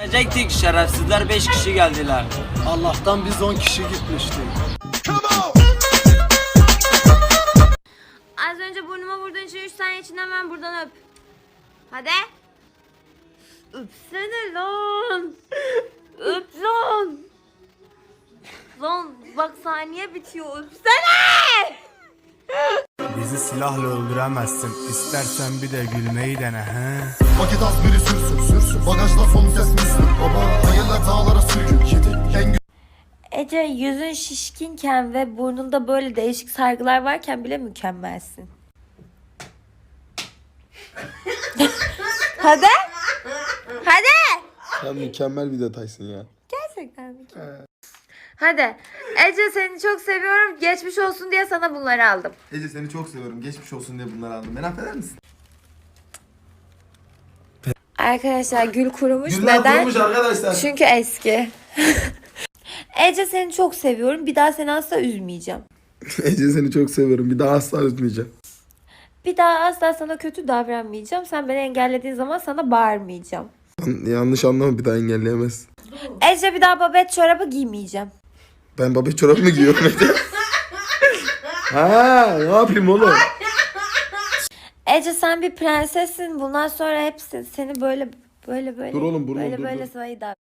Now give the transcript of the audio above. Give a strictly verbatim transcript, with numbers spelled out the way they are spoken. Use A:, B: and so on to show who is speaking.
A: Gidecektik, şerefsizler beş kişi geldiler.
B: Allah'tan biz on kişi gitmiştik.
C: Az önce burnuma vurduğun için üç saniye içinde hemen buradan öp. Hadi. Öpsene lan. Öp lan. Lan bak saniye bitiyor, öpsene.
D: Bizi silahla öldüremezsin. İstersen bir de gülmeyi dene he.
E: Paket az biri sürsün sürsün. Bagajda son ses müslüm. Baba hayırlar dağlara sürgün. Kedi en
C: Ece, yüzün şişkinken ve burnunda böyle değişik sargılar varken bile mükemmelsin. Hadi. Hadi.
E: Sen mükemmel bir detaysın ya.
C: Gerçekten mükemmel. Hadi. Ece, seni çok seviyorum. Geçmiş olsun diye sana bunları aldım.
E: Ece seni çok seviyorum. Geçmiş olsun diye bunları aldım. Beni affeder misin?
C: Arkadaşlar gül kurumuş.
E: Güller
C: Neden?
E: kurumuş arkadaşlar.
C: Çünkü eski. Ece, seni çok seviyorum. Bir daha seni asla üzmeyeceğim.
E: Ece seni çok seviyorum. Bir daha asla üzmeyeceğim.
C: Bir daha asla sana kötü davranmayacağım. Sen beni engellediğin zaman sana bağırmayacağım.
E: Yan- yanlış anlama, bir daha engelleyemezsin.
C: Ece, bir daha babet çorabı giymeyeceğim.
E: Ben babet çorap mı giyiyorum Ece? Ha, ne yapayım oğlum?
C: Ece, sen bir prensessin. Bundan sonra hepsi seni böyle böyle böyle
E: Dur oğlum, burnu,
C: böyle
E: dur,
C: böyle
E: dur.
C: sayı